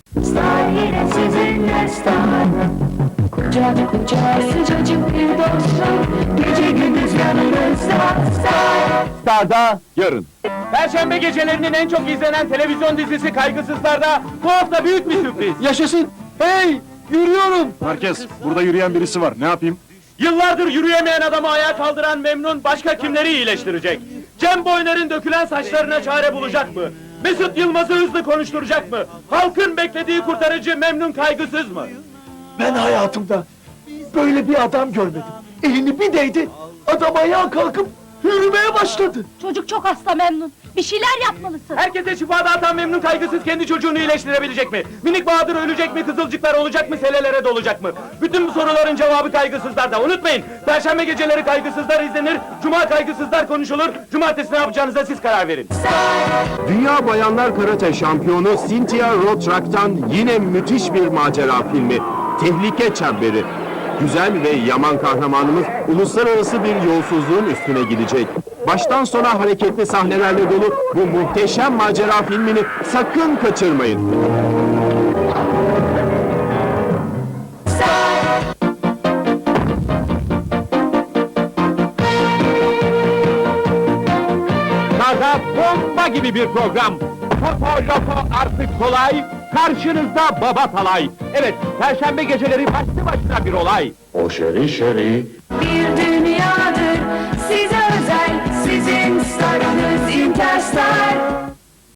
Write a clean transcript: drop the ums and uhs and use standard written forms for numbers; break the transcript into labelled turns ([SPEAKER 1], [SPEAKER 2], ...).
[SPEAKER 1] Star yine sizinle Star. Kucak kucağa sıcacık bir dostluk, gece gündüz yanınızda Star.
[SPEAKER 2] Star'da yarın.
[SPEAKER 3] Perşembe gecelerinin en çok izlenen televizyon dizisi Kaygısızlar'da bu hafta büyük bir sürpriz.
[SPEAKER 2] Yaşasın! Hey! Yürüyorum!
[SPEAKER 4] Herkes, burada yürüyen birisi var, ne yapayım?
[SPEAKER 3] Yıllardır yürüyemeyen adamı ayağa kaldıran Memnun başka kimleri iyileştirecek? Cem Boyner'in dökülen saçlarına çare bulacak mı? Mesut Yılmaz'ı hızlı konuşturacak mı? Halkın beklediği kurtarıcı Memnun kaygısız mı?
[SPEAKER 2] Ben hayatımda böyle bir adam görmedim. Elini bir değdi, adam ayağa kalkıp yürümeye başladı.
[SPEAKER 5] Çocuk çok hasta Memnun. Bir şeyler yapmalısın.
[SPEAKER 3] Herkese şifa dağıtan Memnun kaygısız kendi çocuğunu iyileştirebilecek mi? Minik Bahadır ölecek mi? Kızılcıklar olacak mı? Selelere dolacak mı? Bütün bu soruların cevabı Kaygısızlar'da. Unutmayın, Perşembe geceleri Kaygısızlar izlenir, Cuma Kaygısızlar konuşulur. Cumartesi ne yapacağınıza siz karar verin.
[SPEAKER 6] Dünya Bayanlar Karate şampiyonu Cynthia Rothrock'tan yine müthiş bir macera filmi. Tehlike Çemberi. Güzel ve yaman kahramanımız uluslararası bir yolsuzluğun üstüne gidecek. Baştan sona hareketli sahnelerle dolu bu muhteşem macera filmini sakın kaçırmayın.
[SPEAKER 3] Star'da bomba gibi bir program. Toto Loko artık kolay, karşınızda Baba Talay. Evet, Perşembe geceleri başlı başına bir olay.
[SPEAKER 4] O şeri şeri.
[SPEAKER 1] Bir dünyadır size özel, sizin starınız Interstar.